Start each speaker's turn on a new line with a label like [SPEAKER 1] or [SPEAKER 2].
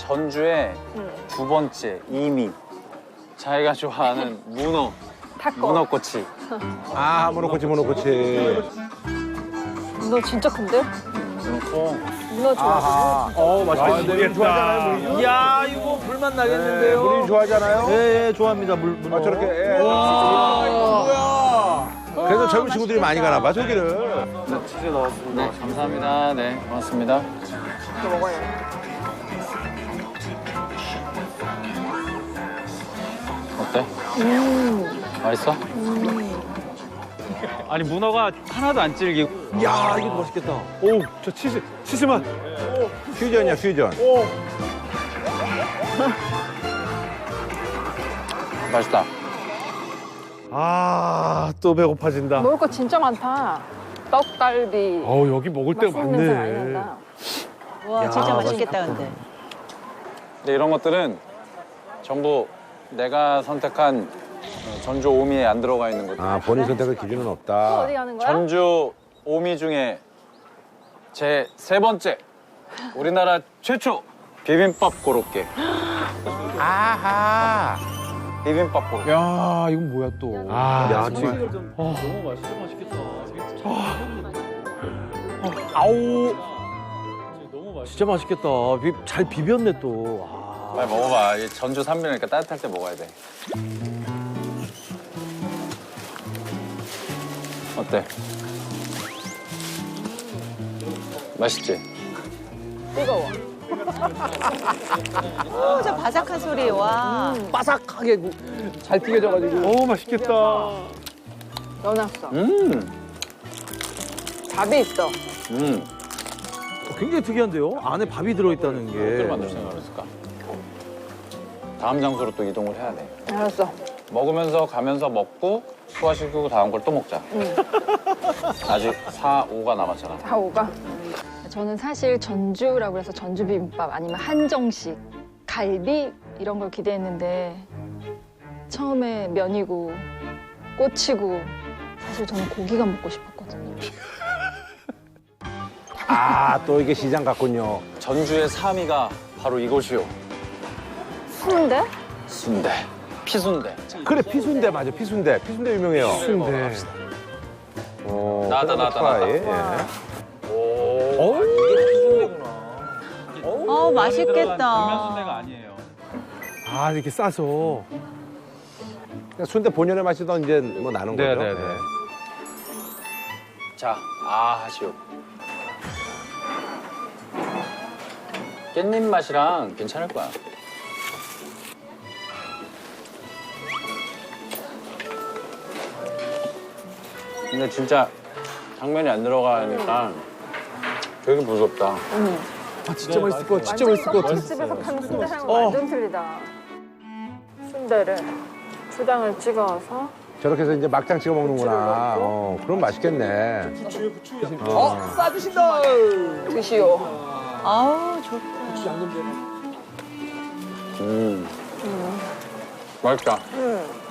[SPEAKER 1] 전주의 두 번째 이미 자기가 좋아하는 문어.
[SPEAKER 2] 타코.
[SPEAKER 1] 문어꼬치.
[SPEAKER 3] 아, 모노코치, 모노코치.
[SPEAKER 2] 문어 진짜 큰데?
[SPEAKER 1] 문어꼬.
[SPEAKER 2] 문어 좋아하고.
[SPEAKER 3] 맛있겠는데. 물 좋아하잖아요, 물.
[SPEAKER 4] 이야, 이거 불맛 나겠는데요.
[SPEAKER 3] 물 좋아하잖아요.
[SPEAKER 4] 예, 예, 좋아합니다. 문어.
[SPEAKER 3] 아, 저렇게. 예.
[SPEAKER 4] 와, 이거 뭐야?
[SPEAKER 3] 그래서 젊은 친구들이 많이 가나 봐, 저기를.
[SPEAKER 1] 치즈 넣었습니다. 네, 감사합니다. 네, 고맙습니다.
[SPEAKER 2] 이거 먹어요.
[SPEAKER 1] 어때? 맛있어? 아니 문어가 하나도 안 질기고.
[SPEAKER 4] 야, 이거 맛있겠다.
[SPEAKER 3] 오, 저 치즈 맛. 퓨전이야, 퓨전.
[SPEAKER 1] 맛있다.
[SPEAKER 3] 아, 또 배고파진다.
[SPEAKER 2] 먹을 거 진짜 많다. 떡갈비.
[SPEAKER 3] 여기 먹을 데가
[SPEAKER 2] 맛있는 냄새 많이 난다.
[SPEAKER 5] 와, 진짜 맛있겠다, 근데.
[SPEAKER 1] 근데 이런 것들은 전부 내가 선택한 전주 오미에 안 들어가 있는 것들.
[SPEAKER 3] 아, 본인 선택의 기준은
[SPEAKER 2] 또
[SPEAKER 3] 없다.
[SPEAKER 2] 어디 가는 거야?
[SPEAKER 1] 전주 오미 중에 제 세 번째 우리나라 최초 비빔밥 고로케.
[SPEAKER 3] 아하.
[SPEAKER 1] 비빔밥 고로케.
[SPEAKER 4] 야, 이건 뭐야 또?
[SPEAKER 3] 아,
[SPEAKER 4] 야,
[SPEAKER 3] 지금.
[SPEAKER 4] 너무 맛있어, 맛있겠다. 아우. 진짜 맛있겠다. 잘 비볐네 또. 아.
[SPEAKER 1] 빨리 먹어봐. 이 전주 산비니까 따뜻할 때 먹어야 돼. 어때? 맛있지?
[SPEAKER 2] 뜨거워.
[SPEAKER 5] 오, 저 바삭한 소리, 와.
[SPEAKER 4] 바삭하게 잘 튀겨져가지고.
[SPEAKER 3] 맛있겠다.
[SPEAKER 2] 넣어놨어.
[SPEAKER 1] 음.
[SPEAKER 2] 밥이 있어.
[SPEAKER 4] 굉장히 특이한데요? 안에 밥이 들어있다는
[SPEAKER 1] 어떻게
[SPEAKER 4] 게.
[SPEAKER 1] 만들 생각을 했을까? 다음 장소로 또 이동을 해야 돼.
[SPEAKER 2] 알았어.
[SPEAKER 1] 먹으면서 가면서 먹고 소화시키고 다음 걸 또 먹자. 아직 4, 5가 남았잖아.
[SPEAKER 2] 다 오가. 저는 사실 전주라고 해서 전주 비빔밥 아니면 한정식, 갈비 이런 걸 기대했는데 처음에 면이고 꼬치고 사실 저는 고기가 먹고 싶었거든요.
[SPEAKER 3] 아, 또 이게 시장 같군요.
[SPEAKER 1] 전주의 3위가 바로 이곳이요.
[SPEAKER 2] 순대?
[SPEAKER 1] 순대. 피순대.
[SPEAKER 3] 그래, 피순대 맞아, 피순대. 피순대 유명해요.
[SPEAKER 1] 피순대. 나다, 나다,
[SPEAKER 3] 프라이.
[SPEAKER 1] 나다.
[SPEAKER 3] 예.
[SPEAKER 1] 오. 이게 피순대구나.
[SPEAKER 5] 맛있겠다.
[SPEAKER 1] 면 순대가 아니에요.
[SPEAKER 3] 아, 이렇게 싸서. 순대 본연의 맛이 더 이제 뭐 나는
[SPEAKER 1] 네,
[SPEAKER 3] 거죠.
[SPEAKER 1] 네, 네. 자, 하시오. 깻잎 맛이랑 괜찮을 거야. 근데 진짜 당면이 안 들어가니까 되게 무섭다.
[SPEAKER 4] 아, 진짜 맛있을 것 같아. 진짜 맛있을 것 같아.
[SPEAKER 2] 집에서 파는 순대 향은 완전 틀리다. 순대를 초장을 찍어서
[SPEAKER 3] 저렇게 해서 이제 막장 찍어 먹는구나. 그럼 맛있겠네.
[SPEAKER 4] 싸주신다.
[SPEAKER 2] 드시오.
[SPEAKER 5] 아우, 좋다.
[SPEAKER 1] 맛있다.